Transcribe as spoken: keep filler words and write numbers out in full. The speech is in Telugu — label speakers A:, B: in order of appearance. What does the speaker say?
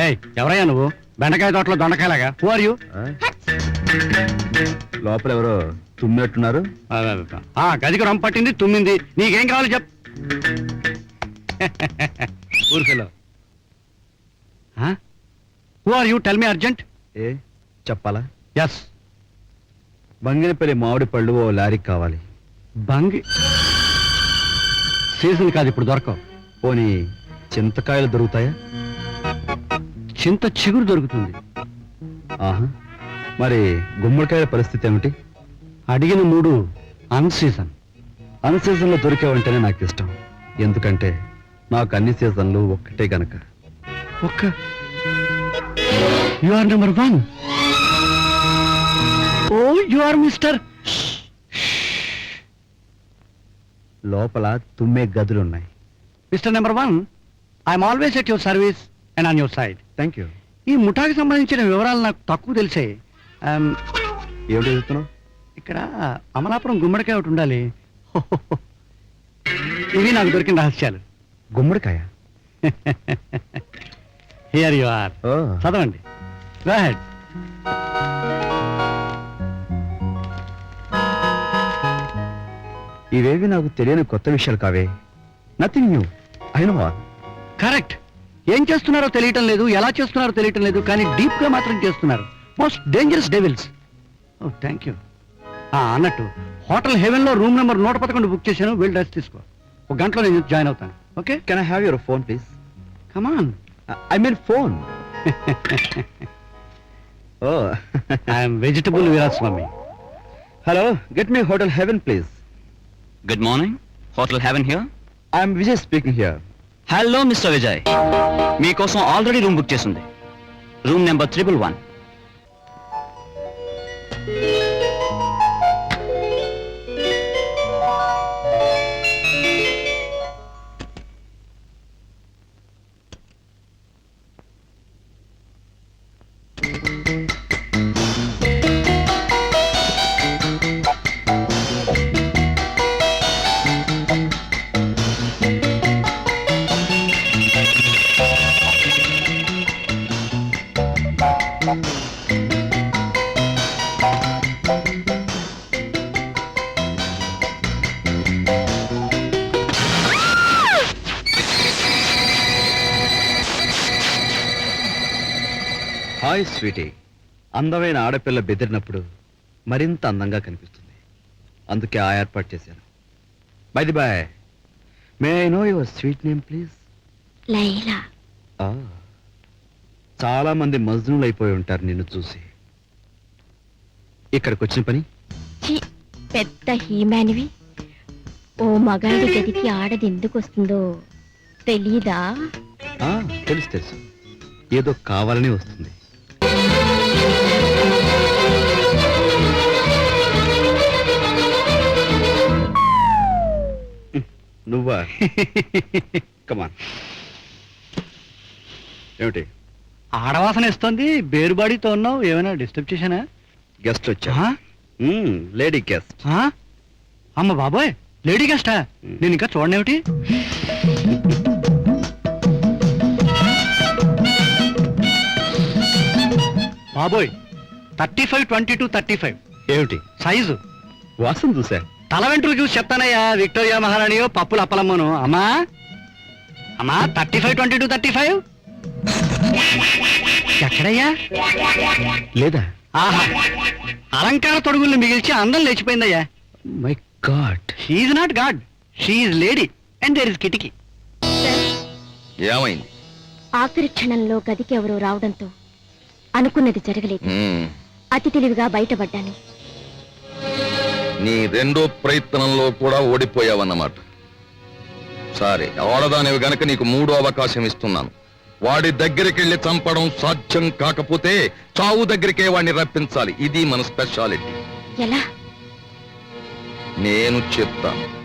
A: ఎవరయ్యా నువ్వు? బెండకాయ తోటలో దొండకాయలాగా. Who are you?
B: లోపల ఎవరో తుమ్మినట్టున్నారు.
A: ఆ గదికి రొమ్మ పట్టింది, తుమ్మింది. నీకేం కావాలి చెప్. ఊరికెలో. Who are you? Tell me urgent.
B: ఏ చెప్పాలా?
A: ఎస్.
B: బంగినపల్లి మామిడి పళ్ళు ఓ లారీకి కావాలి.
A: బంగి సీజన్ కాదు, ఇప్పుడు దొరకవు.
B: పోనీ చింతకాయలు దొరుకుతాయా?
A: చింత చిగురు దొరుకుతుంది.
B: ఆహా, మరి గుమ్మడికాయల పరిస్థితి ఏమిటి?
A: అడిగిన మూడు అన్ సీజన్.
B: అన్ సీజన్లో దొరికేవంటేనే నాకు ఇష్టం. ఎందుకంటే నాకు అన్ని సీజన్లు ఒక్కటే గనక.
A: ఒక్క you are number one. Oh you are mister.
B: లోపల తుమ్మే గదులున్నాయి.
A: Mister number one, I'm always at your service and on your side.
B: Thank you.
A: ఈ ముఠాకి సంబంధించిన వివరాలు నాకు తక్కువ తెలిసే.
B: ఏమిటి చెప్తున్నావు?
A: ఇక్కడ అమలాపురం గుమ్మడికాయ ఒకటి ఉండాలి. ఇవి నాకు దొరికిన రహస్యాలు.
B: గుమ్మడికాయ?
A: Here you are. చదవండి. Go ahead.
B: ఇవేవి నాకు తెలియని కొత్త విషయాలు కావే. Nothing new. I know all.
A: Correct. ఏం చేస్తున్నారో తెలియటం లేదు, ఎలా చేస్తున్నారో తెలియటం లేదు, కానీ డీప్ గా మాత్రం చేస్తున్నారు. Most dangerous devils. Oh thank you. అన్నట్టు హోటల్ హెవెన్ లో రూమ్ నెంబర్ నూట పదకొండు బుక్ చేశాను. వెళ్ళి డ్రెస్ తీసుకో. ఒక గంటలో నేను జాయిన్ అవుతాను. Okay?
B: Can I have your phone please?
A: Come on.
B: I mean phone. Oh
A: I'm vegetable Veeraswamy.
B: Hello, get me hotel Heaven please.
C: Good morning. Hotel Heaven here.
B: I'm Vijay speaking here.
C: Hello mister Vijay, మీకోసం ఆల్రెడీ రూమ్ బుక్ చేసింది. Room number triple one.
B: Hi sweetie. అందమైన ఆడపిల్ల బెదిరినప్పుడు మరింత అందంగా కనిపిస్తుంది. అందుకే ఆ ఏర్పాటు చేశాను. By the by, may I know your sweet name please?
D: Laila.
B: చాలా మంది మజ్నులు అయిపోయి ఉంటారు నిన్ను చూసి. ఇక్కడికి వచ్చిన పని?
D: పెద్ద హీమానివి. ఓ మగాడి గదికి ఆడది ఎందుకు వస్తుందో తెలీదా?
B: తెలుసు తెలుసు, ఏదో కావాలని వస్తుంది. నువ్వా? కమాన్. ఏమిటి?
A: ఆడవాసన ఇస్తుంది, బేరుబాడితో ఉన్నావు. ఏమైనా డిస్టర్బ్ చేశానా?
B: గెస్ట్ వచ్చా? Lady guest.
A: అమ్మ బాబోయ్, లేడీ గెస్టా? నేను ఇంకా చూడనేమిటి? బాబోయ్, thirty five twenty two thirty five.
B: ఏమిటి
A: సైజు?
B: వాసన చూసా.
A: తల వెంట్రులు చూసి చెప్తానయ్యా. విక్టోరియా మహారాణియో పప్పులు అప్పలమ్మను. అమ్మా అమ్మా, thirty five twenty two thirty five ఎక్కడయ్యా?
B: లేదా?
A: ఆహా, అలంకార తొడుగుల్ని మిగిల్చి అందం లేచిపోయిందయ్యా.
B: My God.
A: She's not God, she's lady and there is కిటికీ.
C: ఏమైంది?
D: ఆఖరి క్షణంలో గదికి ఎవరో రావడంతో అనుకున్నది జరగలేదు. అతి తెలివిగా బయటపడ్డాను.
E: నీ రెండో ప్రయత్నంలో కూడా ఓడిపోయావన్నమాట. సరే, ఆడదానివి గనక నీకు మూడో అవకాశం ఇస్తున్నాను. వాడి దగ్గరికి వెళ్ళి చంపడం సాధ్యం కాకపోతే చావు దగ్గరికే వాడిని రప్పించాలి. ఇది మన స్పెషాలిటీ.
D: ఎలా?
E: నేను చెప్తాను.